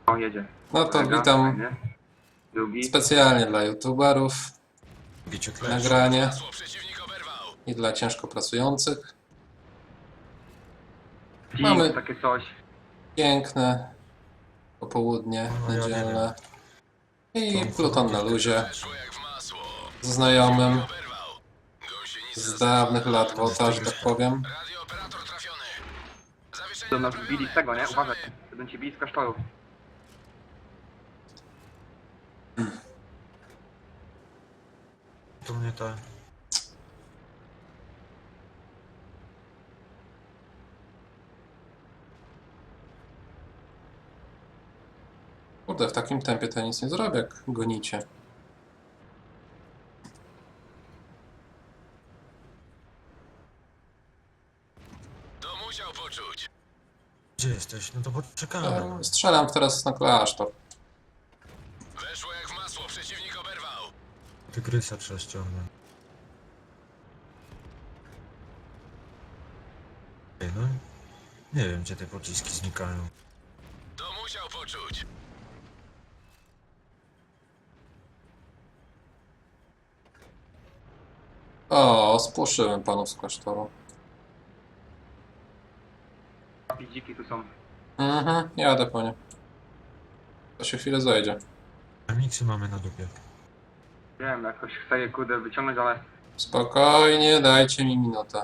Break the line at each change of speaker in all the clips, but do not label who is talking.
O, jedzie.
No to
Kolega,
witam
fajnie. Drugi.
specjalnie dla youtuberów, nagranie i dla ciężko pracujących. Mamy
Takie coś.
piękne popołudnie niedzielne i Pluton na luzie z znajomym z dawnych lat WOTA, że tak powiem.
Do nas bili z tego, nie? Uważaj, będą cię bili z klasztoru.
To mnie to...
Kurde, w takim tempie to nic nie zrobię, jak gonicie.
To musiał poczuć.
Gdzie jesteś? No to poczekamy.
Strzelam teraz na klasztor.
Weszło jak w masło, przeciwnik oberwał.
Tygrysa trzeba ściągnąć. Ej, no... Nie wiem, gdzie te pociski znikają.
To musiał poczuć.
O, spłoszyłem panów z klasztoru.
Dziki tu są.
Jadę po nie. To się chwilę zajdzie.
A miksy mamy na dupie.
Wiem, jakoś chcę je kurde wyciągnąć, ale...
Spokojnie, dajcie mi minutę.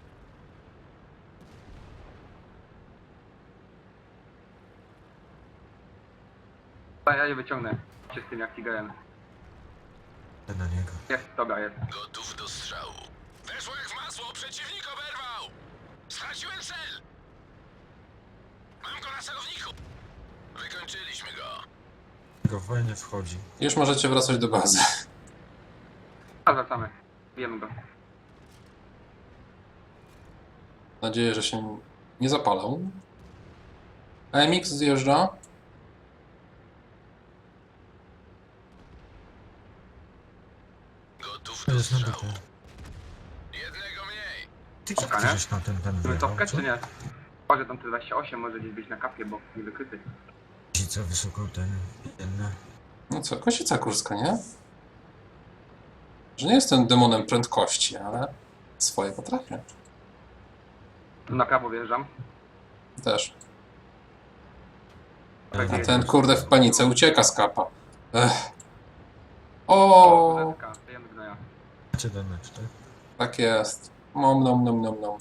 Ja je wyciągnę. Się z tym jak Tigerem.
Na niego.
Jest, dobra, jest.
Gotów do strzału. Weszło jak w masło, przeciwnik oberwał. Straciłem cel. Mam go na celowniku. Wykończyliśmy go.
Go fajnie wchodzi.
Już możecie wracać do bazy.
A wracamy. Bijemy go.
Mam nadzieję, że się nie zapalą. AMX zjeżdża.
Gotów
To
do
jest na
strzału.
dupie.
Jednego mniej.
Ty
Czeka, nie?
któryś na ten
Chcemy
wjechał,
cofkę,
co?
czy nie? Może tam te 28 może gdzieś być na kapie, bo nie wykryty.
Cica wysoko ten... Jedna.
No co, kosica kurska, nie? Że nie jestem demonem prędkości, ale swoje potrafię.
Tu na prawo wjeżdżam.
Też.
Tak
A
jest.
ten kurde w panice ucieka z kapa. Ech. O,
Zetka, dajemy gnoja.
Macie damage, tak?
tak jest. Nom nom nom nom nom.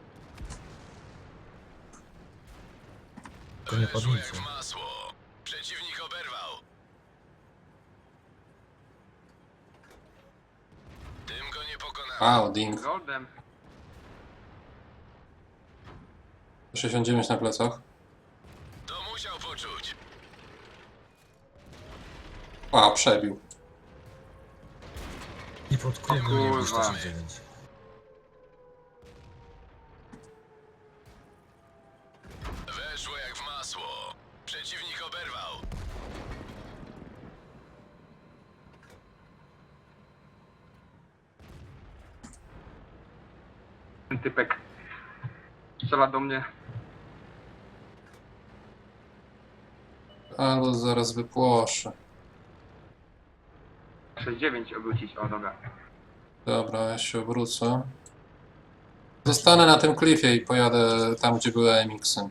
To nie
Weszło jak
padnicy.
w masło. Przeciwnik oberwał. Tym go nie pokonamy.
Wow, ding.
Goldem.
69 na plecach.
To musiał poczuć.
A, przebił.
I pod
O
kółkiem
kurwa.
169.
Weszło jak w masło. Przeciwnik oberwał.
Ten typek strzela do mnie.
Ale zaraz wypłoszę.
6-9 obrócić, o dobra.
Dobra, ja się obrócę. Zostanę na tym klifie i pojadę tam, gdzie były AMX-y.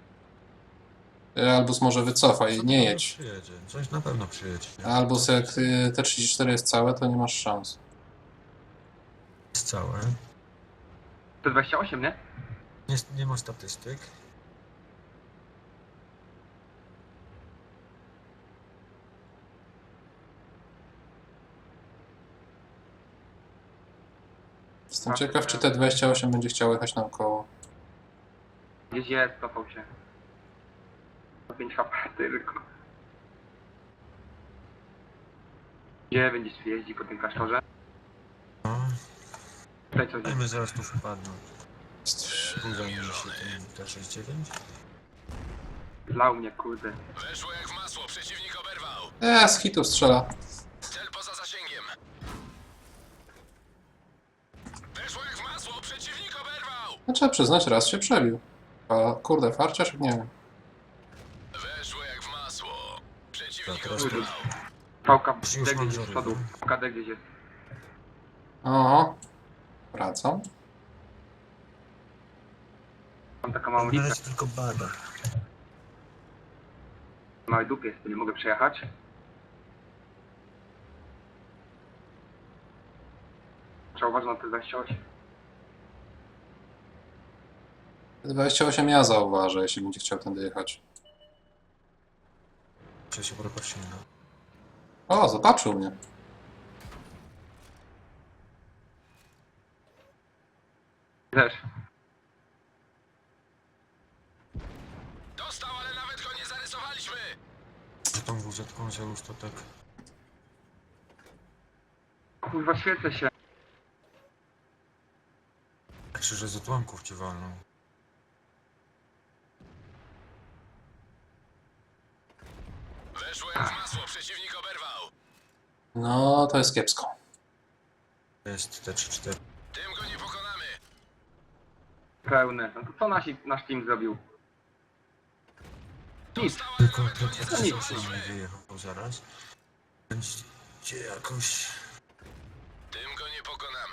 Albus może wycofaj, nie jedź.
Przyjedzie. Coś na pewno przyjedzie.
Albus, jak T34 jest całe, to nie masz szans.
Jest całe.
To 28, nie?
Nie ma statystyk.
Jestem ciekaw, czy T28 będzie chciał jechać naokoło.
Gdzieś jest, cofał się. 5 HP tylko. Gdzie będziesz jeździ po tym klasztorze?
No.
Tutaj coś jest.
Dajmy zaraz tu wpadną. Zajmie się tym T69.
Zlał mnie, kurde.
Weszło jak w masło. Przeciwnik oberwał.
Z hitu strzela.
Cel poza zasięgiem. Weszło jak w masło. Przeciwnik oberwał.
No, trzeba przyznać, raz się przebił. A kurde, farciarz? Nie wiem.
Weszło jak w masło. masło. Przeciwnik
teraz
oberwał.
Pałka
Już
D
mam
gdzieś jest z
żaru.
przodu. Pałka D gdzieś jest.
O, wracam.
Mam taką małą
Na
listę.
razie tylko bada.
W małej dupie jest, to nie mogę przejechać. Trzeba uważać na te 28.
28 ja zauważę, jeśli będzie chciał tędy jechać.
Muszę się porobić silno.
O, zobaczył mnie.
Też.
Dostał, ale nawet go nie zarysowaliśmy.
Że tą wuzetką wziął już to tak.
Kurwa, świecę się.
Krzyże z odłamków ci walną.
Weszło jak w masło. Przeciwnik oberwał.
No, to jest kiepsko.
To jest T34.
Tym go nie pokonamy.
Pełne. No to co nasz team zrobił? Nic.
Dostał, ale
Tylko
nawet go nie
T38 nie
zarysowaliśmy.
wyjechał zaraz. Będzie jakoś...
Tym go nie pokonamy.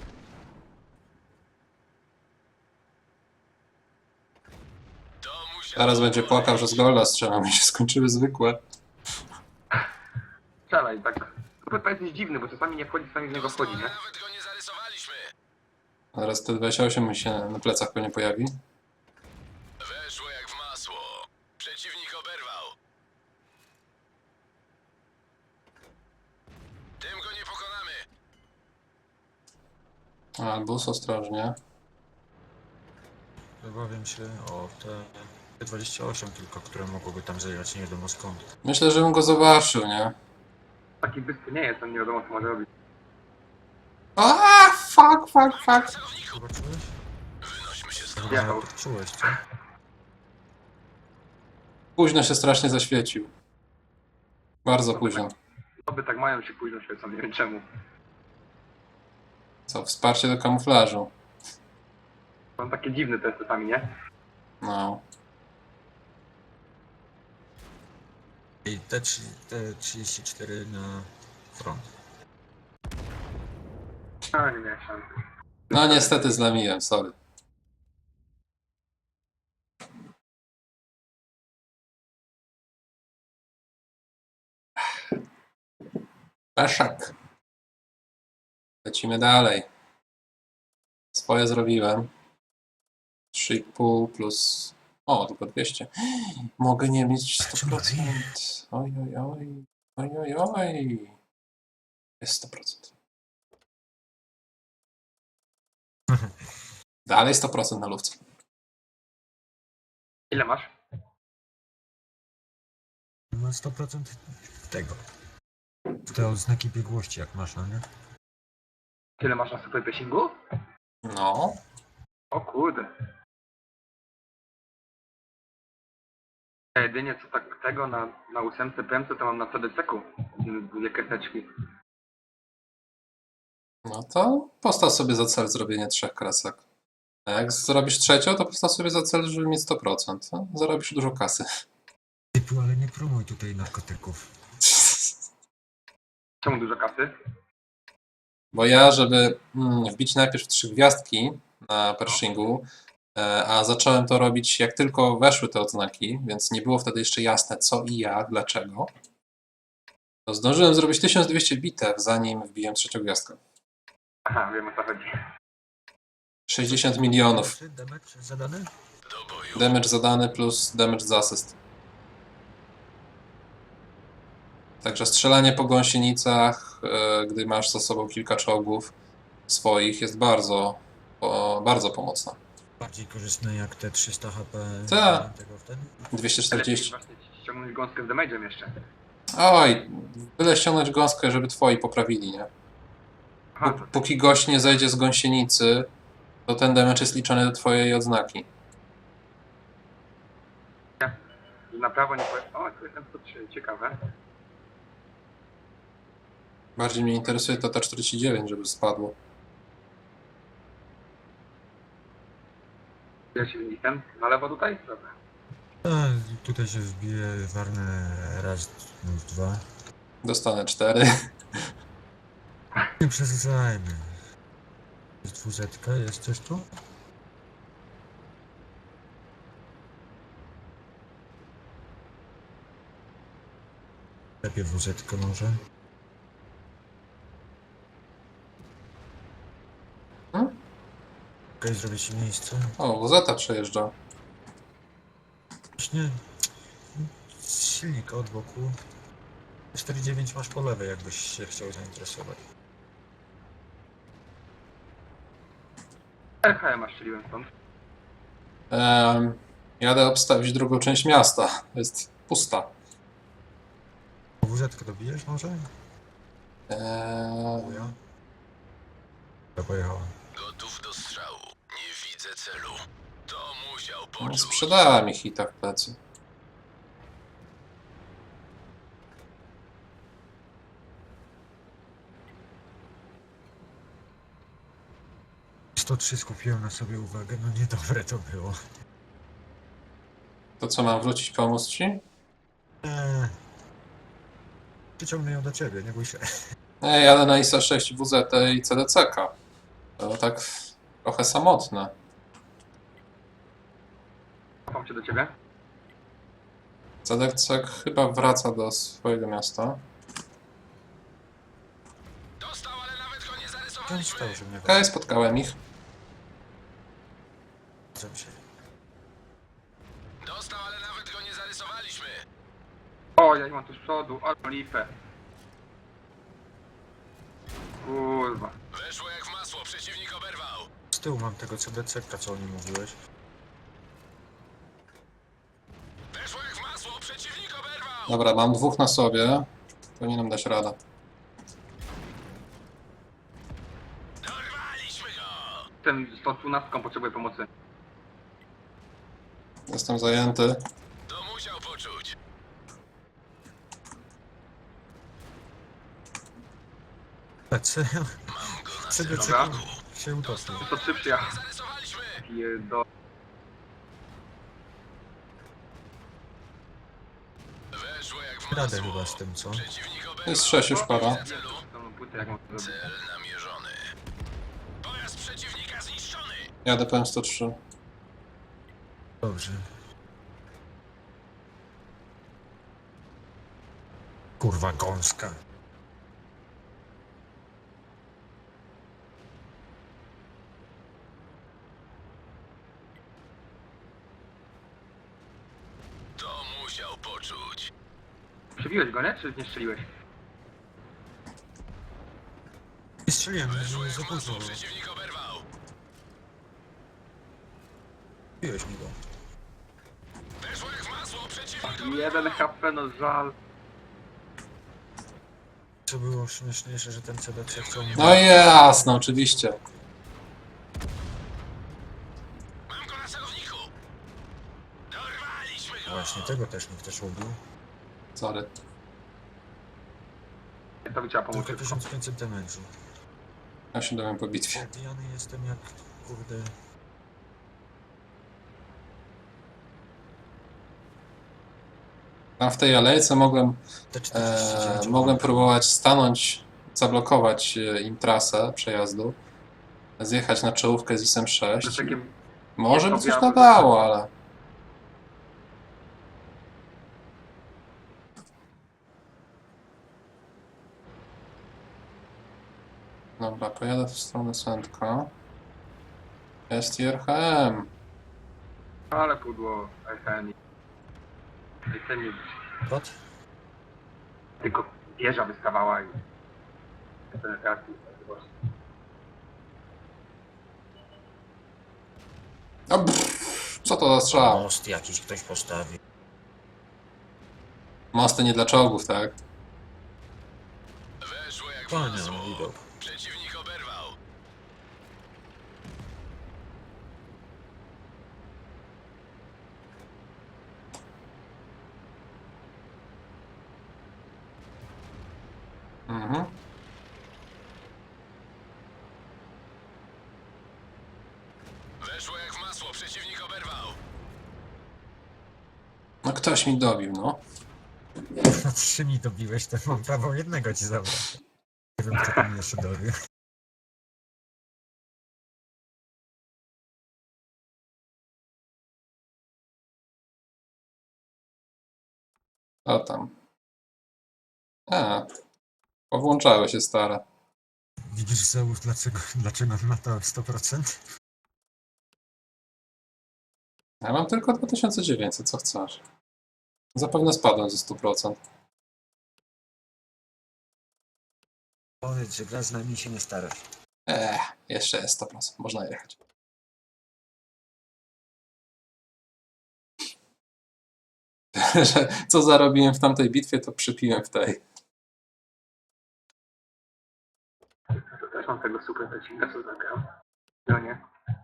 To musiał
Zaraz będzie płakał, że z golda strzelam i się skończyły zwykłe.
Strzelaj, tak. To jest dziwny, bo czasami nie wchodzi, czasami z niego
Dostał,
wchodzi,
ale
nie?
nawet go nie zarysowaliśmy.
Zaraz te 28 mi się na plecach pewnie pojawi.
Weszło jak w masło. Przeciwnik oberwał. Tym go nie pokonamy.
Albus, ostrożnie.
Obawiam się o te T28 tylko, które mogłyby tam zajechać nie wiadomo skąd.
Myślę, że bym go zobaczył, nie?
Taki bystry nie jest, on nie wiadomo co może robić.
A, fuck.
Celowniku.
Zobaczyłeś?
Wynośmy się
To
stąd.
chyba
Jechał.
nawet odczułeś, co?
Późno się strasznie zaświecił. Bardzo późno.
Osoby tak mają się późno świecą, nie wiem czemu.
Co, wsparcie do kamuflażu.
Są takie dziwne te czasami, nie?
No.
I T34 na front.
A, nie miałem szans.
No niestety zlamiłem, sorry. Peszak. Lecimy dalej. Swoje zrobiłem. 3,5 plus... O, tylko 200. Mogę nie mieć 100%. Oj. Jest 100%. Dalej 100% na lufce.
Ile masz?
Ma 100% tego. Te odznaki biegłości jak masz, no nie?
Tyle masz na super passingu?
No.
O kurde. Ja jedynie co tak tego na 8 PMC to mam na CDC-ku. Dwie kreseczki.
No to postaw sobie za cel zrobienie 3 kresek. A jak zrobisz trzecią, to postaw sobie za cel, żeby mieć 100%. No, zarobisz dużo kasy.
Typu, ale nie promuj tutaj narkotyków.
Czemu dużo kasy?
Bo ja, żeby wbić najpierw 3 gwiazdki na Pershingu, a zacząłem to robić jak tylko weszły te odznaki, więc nie było wtedy jeszcze jasne co i jak, dlaczego, to zdążyłem zrobić 1200 bitew, zanim wbiłem 3 gwiazdkę.
Aha, wiem o co chodzi.
60 milionów.
Damage zadany?
Do boju.
Damage zadany plus damage z asyst. Także strzelanie po gąsienicach, gdy masz za sobą kilka czołgów swoich, jest bardzo pomocne.
Bardziej korzystne jak te 300 HP.
Tak.
Tego wtedy?
240.
Lepiej właśnie ściągnąć gąskę z damage'em jeszcze.
Oj, byle ściągnąć gąskę, żeby twoi poprawili, nie?
Aha, to
Póki gość nie zejdzie z gąsienicy, to ten damage jest liczony do twojej odznaki.
na prawo nie powiem. O, tu jestem 103, ciekawe.
Bardziej mnie interesuje to T49, żeby spadło.
Ja się jestem. Na lewo tutaj? Dobra.
A, tutaj się wbije warne raz, dwa.
Dostanę 4.
Nie przesadzajmy. Jest dwuzetka, jest coś tu? Lepiej dwuzetkę może. Okej, zrobię ci miejsce.
O, WZ przejeżdża.
Właśnie z silnika od boku. 4,9 masz po lewej, jakbyś się chciał zainteresować.
RHM strzeliłem stąd.
Jadę obstawić drugą część miasta. Jest pusta.
WZ-kę dobijesz może? Ja? Ja pojechałem.
Gotów do strzału. Nie widzę celu. To musiał
No,
poczuć.
sprzedała mi hita w plecy.
- 103 skupiłem na sobie uwagę, no niedobre to było.
To co, mam wrócić, pomóc ci?
Przyciągnę ją do ciebie, nie bój się.
Jadę na ISA 6 WZ i CDCK. To tak trochę samotne.
Cofam się do ciebie.
CDCK chyba wraca do swojego miasta.
Dostał, ale nawet go nie
Ten
zarysowaliśmy.
stał, że mnie
Okej, spotkałem ich.
wracam się.
Dostał, ale nawet go nie zarysowaliśmy.
O, ja ich mam tu z przodu, ale lipę. Kurwa.
Weszło jak w masło, przeciwnik oberwał.
Z tyłu mam tego CDC-ka, co o nim mówiłeś.
Weszło jak w masło, przeciwnik oberwał.
Dobra, mam 2 na sobie. Powinienem dać radę.
Dorwaliśmy go.
Ten 112 potrzebuje pomocy.
Jestem zajęty.
To musiał poczuć.
PC,
Mam go na
CDC
Dobra.
się utopił.
103 przyjechał.
zarysowaliśmy.
I do...
Weszło jak w
Radę
masło.
chyba z tym, co?
Przeciwnik oberwał.
Jest 6 już pada.
Celu.
Tą płytę jak mam to zrobić.
Cel namierzony. Pojazd przeciwnika zniszczony.
Jadę PM103.
Dobrze. Kurwa gąska.
To musiał poczuć.
Przebiłeś go, nie? Czy nie strzeliłeś?
Nie strzeliłem,
Weszło
że
jak
za
w
późno
masło,
było.
przeciwnik oberwał.
Biłeś mi go.
Weszło jak w masło, przeciwnik
1 HP, no żal.
Co było śmieszniejsze, że ten CDC chciał mnie...
No jasne, oczywiście.
Mam go na celowniku. Dorwaliśmy go.
Właśnie, tego też nikt też ubił.
Sorry.
To by trzeba pomóc
Tylko
szybko.
1500 damage'u.
Ja się dowiem po bitwie.
Odbijany jestem jak, kurde...
Tam w tej alejce mogłem,
T49.
mogłem próbować stanąć, zablokować im trasę przejazdu, zjechać na czołówkę z ISem 6.
Z takim...
Może by
jest to
coś
białe.
nadało, ale... Dobra, pojadę w stronę Sędka. Jest i RHM.
Ale pudło RHM. Ten nie...
What?
Tylko wieża wystawała i... Penetracji.
O, pff, co to za strzał?
Most jakiś ktoś postawi.
Mosty nie dla czołgów, tak?
Weszło jak w
Panie,
masło.
no widok.
Przeciwnik oberwał.
Mhm.
Weszło jak w masło, przeciwnik oberwał.
No ktoś mi dobił, no.
Na 3 mi dobiłeś, to mam prawo jednego ci zabrać. Nie wiem, kto tam jeszcze dobił.
O tam. A, powłączały się stare.
Widzisz, Zeus, dlaczego na to 100%?
Ja mam tylko 2900, co chcesz? Zapewne spadłem ze 100%.
Powiedz, że gra z nami się nie starasz.
Jeszcze jest 100%, można jechać. Że co zarobiłem w tamtej bitwie, to przypiłem w tej.
To też mam tego super przecinka, co zagrał. No nie.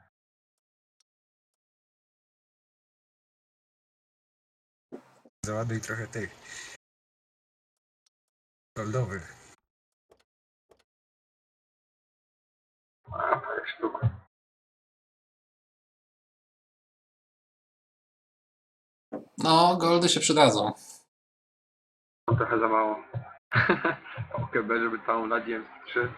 Załaduj trochę tych goldowych.
A, parę sztuk.
No, goldy się przydadzą.
To trochę za mało. OKB, żeby całą ladź 3.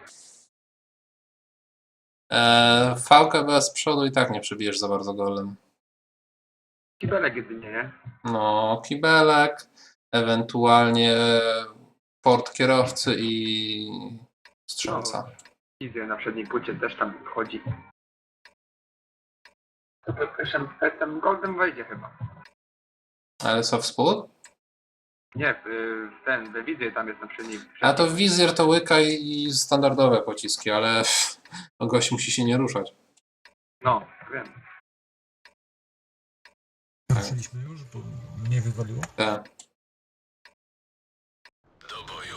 VKB z przodu i tak nie przebijesz za bardzo golem.
Kibelek jedynie, nie?
No, kibelek, ewentualnie port kierowcy i strzelca.
Izzy na przedniej płycie też tam wchodzi. To tym Goldem wejdzie chyba.
Ale co w spód?
Nie, we wizję tam jest na przedniej.
A to wizjer to łyka i standardowe pociski, ale no gość musi się nie ruszać.
No, wiem.
Ruszyliśmy już, bo mnie wywaliło.
Tak.
Do boju.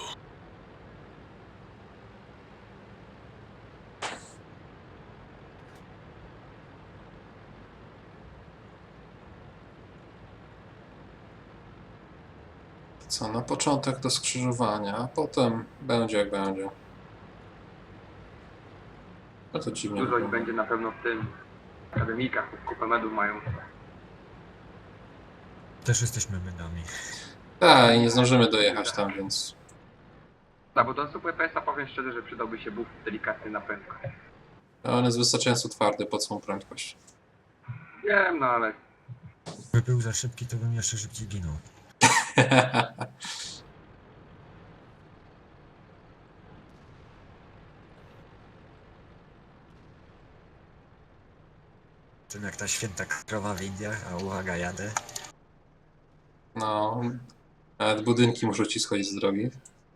Co, na początek do skrzyżowania, a potem będzie jak będzie. No to dziwnie
Dużo ich
wygląda.
będzie na pewno w tym akademikach, bo kupę medów mają.
Też jesteśmy medami.
Tak, i nie zdążymy dojechać tam, więc...
No bo do Super PS-a powiem szczerze, że przydałby się buff delikatny na prędkość.
On jest wystarczająco twardy pod swą prędkość.
Wiem, no ale
Gdyby był za szybki, to bym jeszcze szybciej ginął. Czym jak ta święta krowa w Indiach, a uwaga, jadę.
No, nawet budynki muszą ci schodzić z drogi.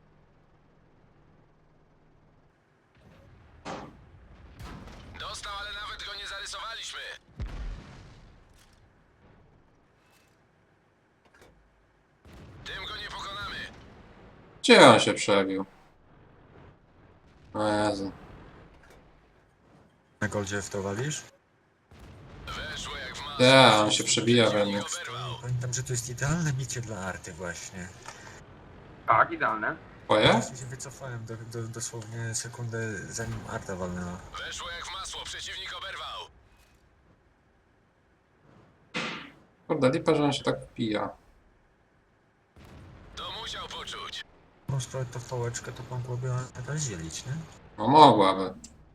Dostał, ale nawet go nie zarysowaliśmy. Tym go nie pokonamy.
Gdzie on się przebił? O Jezu.
Na goldzie w to walisz?
Weszło jak w masło.
Ja, on się przebija we mnie.
Oberwał.
Pamiętam, że to jest idealne bicie dla arty właśnie.
tak, idealne.
Twoje?
Właśnie się wycofałem dosłownie sekundę zanim arta walnęła.
Weszło jak w masło. Przeciwnik oberwał.
Kurde, lipa, że on się tak pija.
To musiał poczuć.
Mam sprawę to pałeczkę, to mogłoby jakaś zielić, nie?
No mogłaby.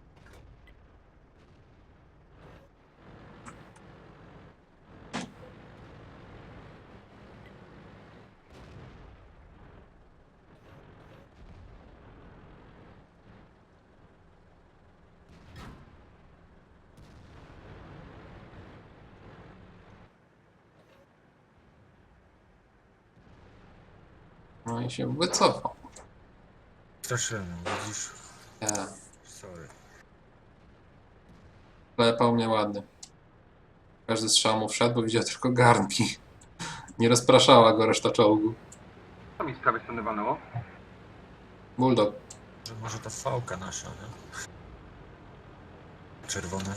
No i się wycofał.
Straszyłem, widzisz?
Ja.
Sorry.
Klepał mnie ładnie. Każdy strzał mu wszedł, bo widział tylko garnki. Nie rozpraszała go reszta czołgu.
Co mi z prawej strony walnęło?
Bulldog.
Że może to fałka nasza, nie? Czerwone.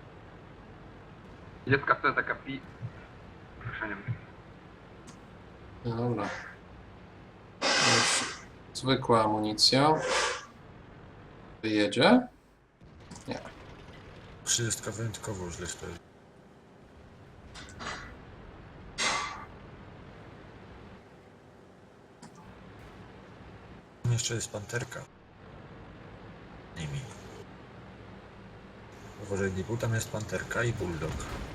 Dziecka to jest taka Proszę nie wiem.
No dobra. Już zwykła amunicja. Wyjedzie? Nie.
30 wyjątkowo źle stoi. jeszcze jest panterka. Nimi. Uważaj, Dibu, tam jest panterka i bulldog.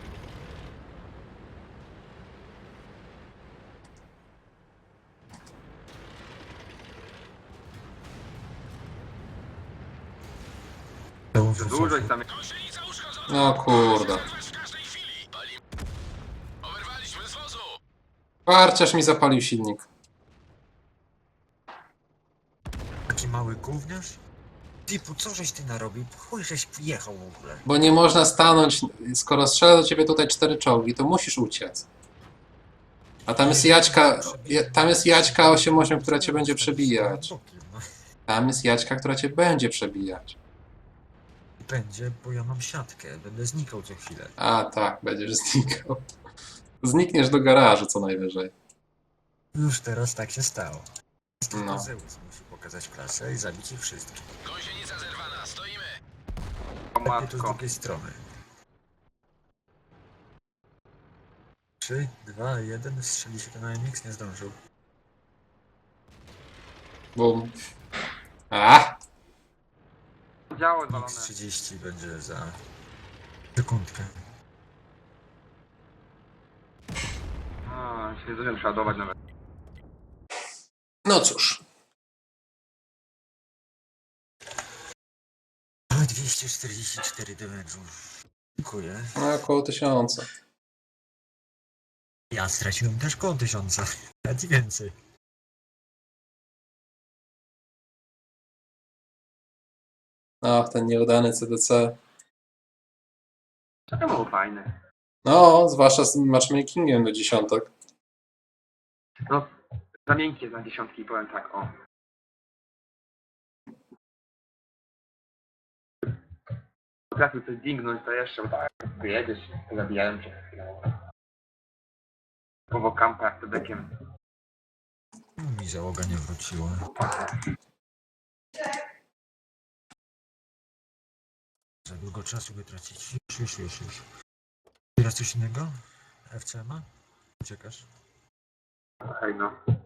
Dużo ich tam jest.
Gąsienica uszkodzona!
No kurde.
Zerwać w każdej chwili! Oberwaliśmy z wozu!
Parciarz mi zapalił silnik.
Taki mały gówniarz? Dibu, co żeś ty narobił? Chuj, żeś jechał w ogóle.
Bo nie można stanąć, skoro strzela do ciebie tutaj 4 czołgi, to musisz uciec. A tam jest Jaćka 8-8, która cię będzie przebijać.
No,
Tam jest Jaćka, która cię będzie przebijać.
będzie, bo ja mam siatkę. Będę znikał co chwilę.
A tak, będziesz znikał. Znikniesz do garażu co najwyżej.
Już teraz tak się stało. Tylko
No.
Zeus musi pokazać klasę i zabić ich wszystkich.
Gąsienica zerwana, stoimy!
O
Lepiej to z
matko.
drugiej strony. 3, 2, 1. Strzeli się ten AMX, nie zdążył.
Bum. A!
Działo zwalone.
X30 będzie za sekundkę.
O, się nie zdążyłem przeładować nawet.
No cóż.
A, 244 damage'u. Dziękuję.
No, około 1000.
Ja straciłem też koło 1000. Nawet i więcej.
Ach, ten nieudany CDC.
To było fajne.
No, zwłaszcza z matchmakingiem do dziesiątek.
No, za miękkie za dziesiątki, powiem tak, o. Potrafił coś dingnąć, to jeszcze, bo tak, wyjedziesz, zabijałem cię chwilę. Powo kampa jak tedekiem.
Mi załoga nie wróciła. Za długo czasu by tracić. Już. Teraz coś innego? FCMA? Uciekasz?
Hej no.